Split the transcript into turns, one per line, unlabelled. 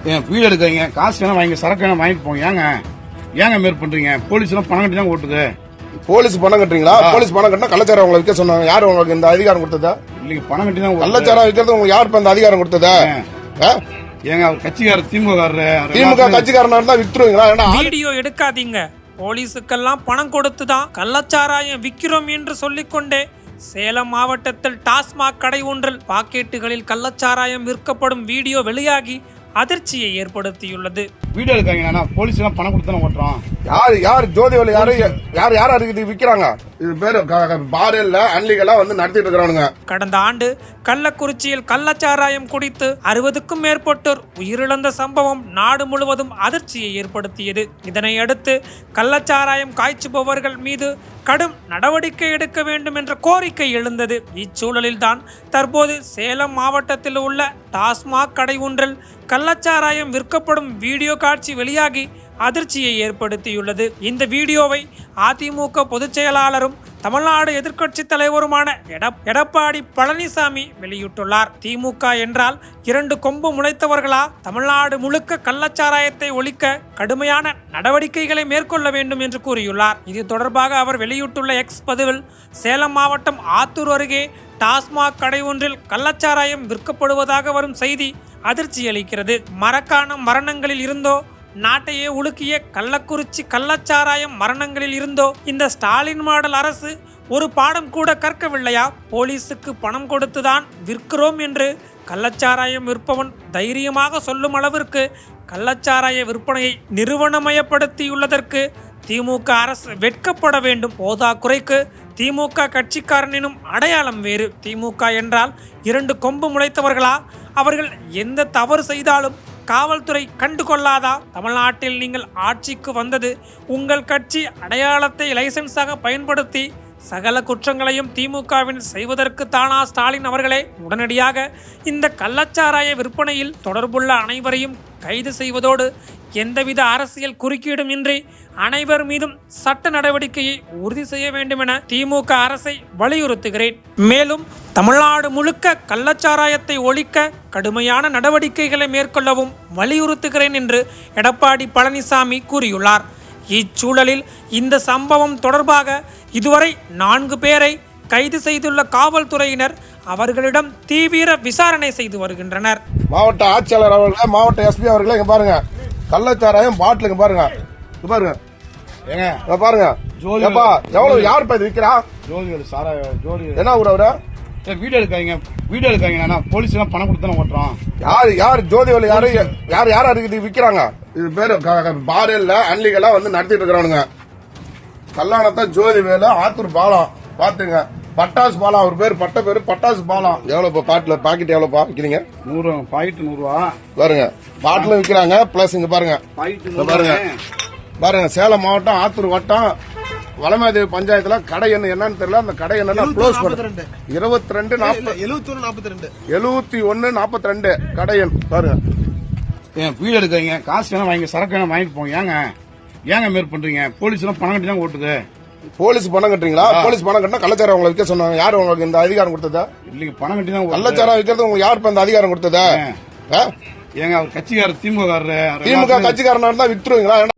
வீடு எடுக்கிறீங்க, காசு வேணா வாங்கி சரக்கு வேணா வாங்கிட்டு போங்க. ஏங்க மேற் பண்றீங்க? போலீஸ் எல்லாம் பணம் கட்டி தான் ஓட்டுது.
போலீஸ் பணம் கட்டுறீங்களா? போலீஸ் பணம் கட்டினா கள்ளச்சாரம் உங்களை விற்க சொன்னாங்க. யாரு உங்களுக்கு இந்த அதிகாரம் கொடுத்ததா?
இல்லைங்க, பணம் கட்டி தான்
கள்ளச்சாரம் விற்கிறது உங்களுக்கு யார் இப்ப இந்த அதிகாரம் கொடுத்ததா?
ஏங்க அவர் கட்சிக்காரர்,
திமுக கட்சிக்காரனா இருந்தா வித்துருவீங்களா?
வீடியோ எடுக்காதீங்க. போலீஸுக்கெல்லாம் பணம் கொடுத்துதான் கள்ளச்சாராயம் விற்கிறோம் என்று சொல்லிக்கொண்டே சேலம் மாவட்டத்தில் டாஸ்மாக் கடை ஒன்றில் பாக்கெட்டுகளில் கள்ளச்சாராயம் விற்கப்படும் வீடியோ வெளியாகி அதிர்ச்சியை ஏற்படுத்தியுள்ளது.
வீடியோ எடுக்காங்க, போலீஸ் எல்லாம் பணம் கொடுத்து ஓட்டுறோம்.
யார் ஜோதிவலி யாரு இது விக்கிறாங்க? இது பேரு பார் இல்ல, அன்லீகலா வந்து நடத்திட்டு இருக்கிறானுங்க.
கடந்த ஆண்டு கள்ளக்குறிச்சியில் கள்ளச்சாராயம் குடித்து 60க்கும் மேற்பட்டோர் உயிரிழந்த சம்பவம் நாடு முழுவதும் அதிர்ச்சியை ஏற்படுத்தியது. இதனை அடுத்து கள்ளச்சாராயம் காய்ச்சுபவர்கள் மீது கடும் நடவடிக்கை எடுக்க வேண்டும் என்ற கோரிக்கை எழுந்தது. இச்சூழலில்தான் தற்போது சேலம் மாவட்டத்தில் உள்ள டாஸ்மாக் கடை ஒன்றில் கள்ளச்சாராயம் விற்கப்படும் வீடியோ காட்சி வெளியாகி அதிர்ச்சியை ஏற்படுத்தியுள்ளது. இந்த வீடியோவை அதிமுக பொதுச் செயலாளரும் தமிழ்நாடு எதிர்க்கட்சி தலைவருமான எடப்பாடி பழனிசாமி வெளியிட்டுள்ளார். திமுக என்றால் 2 கொம்பு முளைத்தவர்களா? தமிழ்நாடு முழுக்க கள்ளச்சாராயத்தை ஒழிக்க கடுமையான நடவடிக்கைகளை மேற்கொள்ள வேண்டும் என்று கூறியுள்ளார். இது தொடர்பாக அவர் வெளியிட்டுள்ள எக்ஸ் பதிவில், சேலம் மாவட்டம் ஆத்தூர் அருகே டாஸ்மாக் கடை ஒன்றில் கள்ளச்சாராயம் விற்கப்படுவதாக வரும் செய்தி அதிர்ச்சி அளிக்கிறது. மரக்காணம் மரணங்களில் இருந்தோ, நாட்டையே உலுக்கிய கள்ளக்குறிச்சி கள்ளச்சாராயம் மரணங்களில் இருந்தோ இந்த ஸ்டாலின் மாடல் அரசு ஒரு பாடம் கூட கற்கவில்லையா? போலீஸுக்கு பணம் கொடுத்துதான் விற்கிறோம் என்று கள்ளச்சாராயம் விற்பவன் தைரியமாக சொல்லும் அளவிற்கு கள்ளச்சாராய விற்பனையை நிறுவனமயப்படுத்தியுள்ளதற்கு திமுக அரசு வெட்கப்பட வேண்டும். போதா குறைக்கு திமுக கட்சிக்காரனினும் அடையாளம் வேறு. திமுக என்றால் 2 கொம்பு முளைத்தவர்களா? அவர்கள் எந்த தவறு செய்தாலும் காவல்துறை கண்டுகொள்ளாதா? தமிழ்நாட்டில் நீங்கள் ஆட்சிக்கு வந்தது உங்கள் கட்சி அடையாளத்தை லைசன்ஸாக பயன்படுத்தி சகல குற்றங்களையும் திமுகவின் செய்வதற்கு தானா ஸ்டாலின் அவர்களே? உடனடியாக இந்த கள்ளச்சாராய விற்பனையில் தொடர்புள்ள அனைவரையும் கைது செய்வதோடு எந்தவித அரசியல் குறுக்கீடும் இன்றி அனைவர் மீதும் சட்ட நடவடிக்கையை உறுதி செய்ய வேண்டும் என திமுக அரசை வலியுறுத்துகிறேன். மேலும் தமிழ்நாடு முழுக்க கள்ளச்சாராயத்தை ஒழிக்க கடுமையான நடவடிக்கைகளை மேற்கொள்ளவும் வலியுறுத்துகிறேன் என்று எடப்பாடி பழனிசாமி கூறியுள்ளார். இச்சூழலில் இந்த சம்பவம் தொடர்பாக இதுவரை 4 பேரை கைது செய்துள்ள காவல்துறையினர் அவர்களிடம் தீவிர விசாரணை செய்து வருகின்றனர்.
மாவட்ட ஆட்சியாளர் அவர்கள், மாவட்ட எஸ்பி அவர்கள் இங்க பாருங்க, கள்ளச்சாராயம் பாட்டிலுங்க பாருங்க, பாருங்க பாருங்க. எவ்வளவு யார் இது விக்கிறா? என்ன ஊர் அவரு?
வீடியோ எடுக்காங்க, போலீஸ் எல்லாம் பணம் கொடுத்து ஓட்டுறோம்.
யார் ஜோதிவலி யாரு இது விக்கிறாங்க? இது பேரு பார் இல்ல, அன்லீகலா வந்து நடத்திட்டு இருக்கிறானுங்க. கல்லாணத்தை ஜோதிவேலு, ஆத்தூர் பாலம் பாத்துங்க. பட்டாசு பாலம், அவர் பேரு பேரு பட்டாசு பாலம். எவ்வளவு பாட்டில் பாக்கெட் எவ்வளவு விக்கிறீங்க?
100 பாக்கெட் 100 ரூபா.
பாருங்க, பாட்டிலும் விக்கிறாங்க. பிளஸ் இங்க பாருங்க பாருங்க சேலம் மாவட்டம் ஆத்தூர் வட்டம் வளமாதேவி பஞ்சாயத்துல கடை என்னன்னு தெரியல. அந்த கடை என்னன்னா க்ளோஸ் பண்ணுறது 7142 கடை எண் பாருங்க.
வீடு எடுக்கிறீங்க, காசு வேணா வாங்கி சரக்கு வேணா வாங்கிட்டு போங்க. ஏங்க மேற் பண்றீங்க? போலீஸ் எல்லாம் பணம் கட்டி தான் ஓட்டுது.
போலீஸ் பணம் கட்டுறீங்களா? போலீஸ் பணம் கட்டினா கள்ளச்சாரம் உங்களை விற்க சொன்னாங்க. யாரு உங்களுக்கு இந்த அதிகாரம் கொடுத்ததா?
இல்லைங்க, பணம் கட்டி தான்
கள்ளச்சாரம் விற்கிறது உங்களுக்கு யார் இப்ப இந்த அதிகாரம் கொடுத்ததா?
ஏங்க அவர் கட்சிக்காரர், திமுக
கட்சிக்காரனா இருந்தா வித்துருவீங்களா?